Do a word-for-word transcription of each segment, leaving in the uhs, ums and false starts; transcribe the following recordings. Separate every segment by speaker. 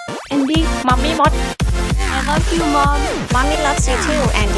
Speaker 1: Andy
Speaker 2: มัมมี่มด
Speaker 1: I love you mom
Speaker 3: Mommy loves you too Andy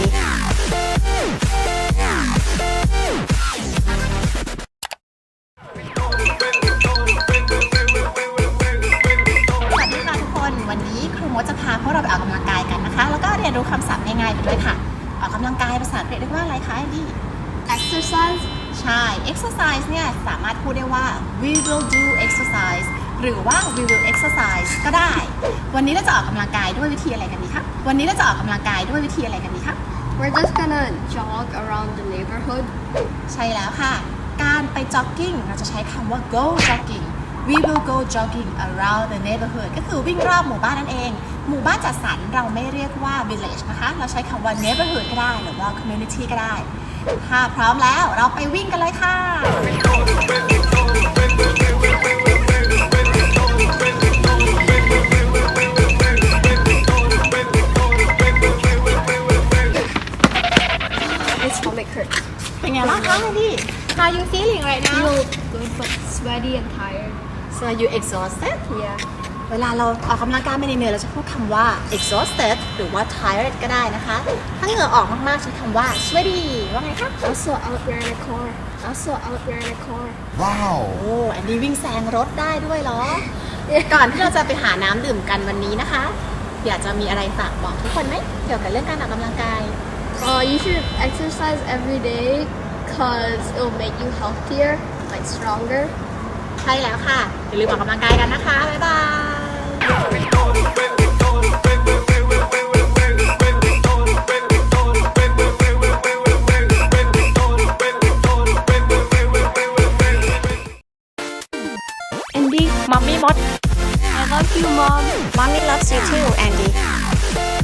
Speaker 3: สวัสดีค่ะทุกคนวันนี้ครูมดจะพาพวกเราไปออกกำลังกายกันนะคะแล้วก็เรียนรู้คำศัพท์ง่ายๆไปด้วยค่ะออกกำลังกายภาษาอังกฤษเรียกว่าอะไรคะแอนดี้
Speaker 1: exercise
Speaker 3: ใช่ exercise เนี่ยสามารถพูดได้ว่า we will do exercise หรือว่า we will exercise ก็ได้วันนี้เราจะออกกำลังกายด้วยวิธีอะไรกันดีคะวันนี้เราจะออกกำลังกายด้วยวิธีอะไรกันดีคะ
Speaker 1: we're just gonna jog around the neighborhood
Speaker 3: ใช่แล้วค่ะการไป jogging เราจะใช้คำว่า go jogging we will go jogging around the neighborhood ก็คือวิ่งรอบหมู่บ้านนั่นเองหมู่บ้านจัดสรรเราไม่เรียกว่า village นะคะเราใช้คำว่า neighborhood ก็ได้หรือว่า community ก็ได้ถ้าพร้อมแล้วเราไปวิ่งกันเลยค่ะ
Speaker 1: my stomach hurts
Speaker 3: เป็นไงบ้างคะพี่ How you feeling right now
Speaker 1: feel good but sweaty and tired
Speaker 3: so you exhausted
Speaker 1: yeah
Speaker 3: เวลาเราออกกำลังกายไม่เหนื่อยเราจะพูดคำว่า exhausted หรือว่า tired ก็ได้นะคะ ถ้าเหงื่อออกมากๆใช้คำว่า sweaty ว่าไงคะ
Speaker 1: also out ran a car also out ran a car
Speaker 4: Wow.
Speaker 3: โอ้อันนี้วิ่งแซงรถได้ด้วยเหรอ ก่อนที่เราจะไปหาน้ำดื่มกันวันนี้นะคะ อยากจะมีอะไรฝากบอกทุกคนไหมเกี่ยวกับเรื่องการออกกำลังกาย
Speaker 1: uh, you should exercise every day cause it'll make you healthier like stronger
Speaker 3: ใช่แล้วค่ะ อย่าลืมออกกำลังกายกันนะคะ บ๊ายบาย
Speaker 2: Andy มัมมี่มด
Speaker 1: I love you mom
Speaker 3: Mommy loves you too Andy